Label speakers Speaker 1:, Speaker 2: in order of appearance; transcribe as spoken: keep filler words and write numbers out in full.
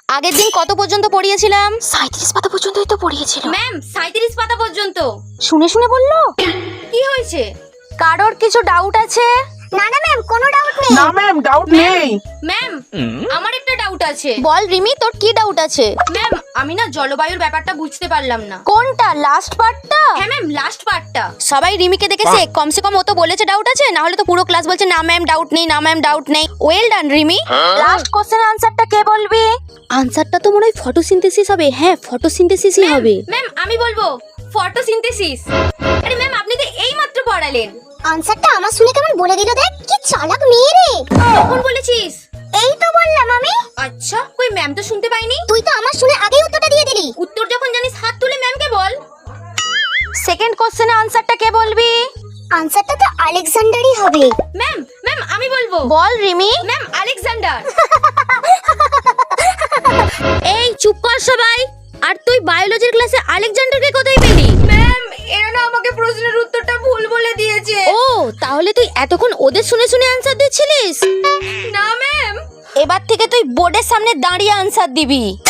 Speaker 1: আগের দিন কত পর্যন্ত পড়িয়েছিলাম?
Speaker 2: সাঁইত্রিশ পাতা পর্যন্তই তো পড়িয়েছিল
Speaker 1: ম্যাম সাঁইত্রিশ পাতা পর্যন্ত।
Speaker 2: শুনে শুনে বললো।
Speaker 1: কি হয়েছে? কারোর কিছু ডাউট আছে?
Speaker 2: না না ম্যাম, কোনো ডাউট নেই।
Speaker 3: না ম্যাম, ডাউট নেই।
Speaker 1: ম্যাম আমার একটা ডাউট আছে।
Speaker 2: বল রিমি, তোর কি ডাউট আছে?
Speaker 1: ম্যাম আমি না জলবায়ুর ব্যাপারটা বুঝতে পারলাম না।
Speaker 2: কোনটা, লাস্ট পার্টটা?
Speaker 1: হ্যাঁ ম্যাম, লাস্ট পার্টটা।
Speaker 2: সবাই রিমিকে দেখেছে, কমসে কম ও তো বলেছে ডাউট আছে, না হলে তো পুরো ক্লাস বলছে না ম্যাম ডাউট নেই, না ম্যাম ডাউট নেই। Well done Rimi. Last question আনসারটা কে বলবি? আনসারটা তো মনে হয় ফটোসিনথেসিস হবে। হ্যাঁ, ফটোসিনথেসিসই হবে।
Speaker 1: ম্যাম আমি বলবো ফটোসিনথেসিস। আরে ম্যাম আপনি তো এইমাত্র পড়ালেন।
Speaker 4: আনসারটা আমার শুনে কেমন বলে দিল, দেখ কি চালাক মেয়ে রে।
Speaker 1: কখন বলেছিস?
Speaker 4: এই তো বললাম আমি।
Speaker 1: আচ্ছা কই ম্যাম তো শুনতে পাইনি।
Speaker 4: তুই তো আমার শুনে আগেই উত্তরটা দিয়ে দিলি।
Speaker 1: উত্তর যখন জানিস হাত তুলে ম্যামকে বল।
Speaker 2: সেকেন্ড কোশ্চেনের আনসারটা কে বলবি?
Speaker 4: আনসারটা তো আলেকজান্ডারই হবে।
Speaker 1: ম্যাম ম্যাম আমি বলবো।
Speaker 2: বল রিমি।
Speaker 1: Ma'am Alexander.
Speaker 2: এই চুপ কর সবাই। আর তুই বায়োলজির ক্লাসে আলেকজান্ডারকে কোথায় পেলি?
Speaker 1: ম্যাম এরা না আমাকে প্রশ্নের উত্তরটা ভুল বলে দিয়েছে।
Speaker 2: ও, তাহলে তুই এতক্ষণ ওদের শুনে শুনে আনসার দিচ্ছিলিস?
Speaker 1: না ম্যাম।
Speaker 2: এবার থেকে তুই বোর্ডের সামনে দাঁড়িয়ে আনসার দিবি।